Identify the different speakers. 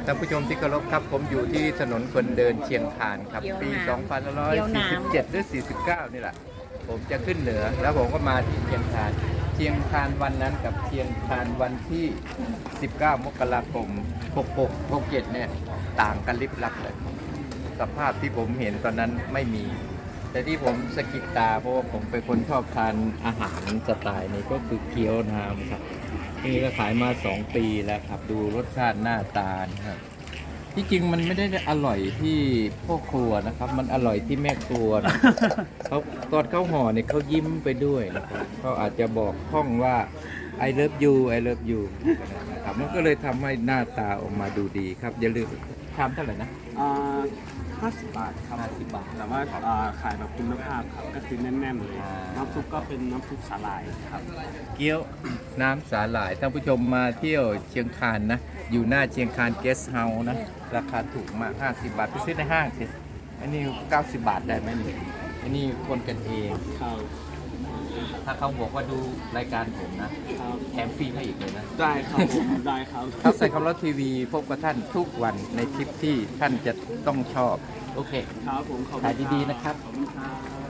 Speaker 1: ท่านผู้ชมที่เคารพครับผมอยู่ที่ถนนคนเดินเชียงคานครับปี 2547 หรือ 49 นี่แหละผมจะขึ้นเหนือแล้วผมก็มาที่เชียงคานวันนั้นกับเชียงคานวันที่ 19 มกราคม 66 67 เนี่ยต่างกันลิบลับเลยสภาพที่ผมเห็นตอนนั้นไม่มี แต่ที่ผมสะกิดตาเพราะว่าผมเป็นคนชอบทานอาหารสไตล์นี้ก็คือเกี๊ยวน้ำครับนี่ก็ขายมา2 ปีแล้วครับดูรสชาติหน้าตานะครับที่จริงมันไม่ได้อร่อยที่พ่อครัวนะครับมันอร่อยที่แม่ครัวนะ เขาตอนเขาห่อเนี่ยเขายิ้มไปด้วยนะครับเขาอาจจะบอกท่องว่า I love you I love you นะครับมันก็เลยทำให้หน้าตาออกมาดูดีครับอย่าลืมชามเท่าไหร่นะ
Speaker 2: 50 บาทครับ
Speaker 1: 50 บาท
Speaker 2: แต่ว่าขายแบบคุณภาพครับ ก็คือแน่นๆเลย น้ำซุปก็เป็นน้ำซุปสาหร่ายครับ
Speaker 1: เกี๊ยวน้ำสาหร่ายท่านผู้ชมมาเที่ยวเชียงคานนะ อยู่หน้าเชียงคานเกสต์เฮาส์นะ ราคาถูกมาก 50 บาทไปซื้อในห้างสิอันนี้ 90 บาทได้ไหมนี่อันนี้คนกันเอง
Speaker 2: ครับ
Speaker 1: ถ้าเขาบอกว่าดูรายการผมนะ
Speaker 2: ครับ
Speaker 1: แถมฟรีให้อีกเลยนะ
Speaker 2: ได้ครับผมได้ครับ
Speaker 1: ครับใส่คำรถทีวีพบกับท่านทุกวันในคลิปที่ท่านจะต้องชอบ โอเค
Speaker 2: ครับผมขอบคุณ
Speaker 1: ขายดีๆนะครับ
Speaker 2: ขอบคุณครับ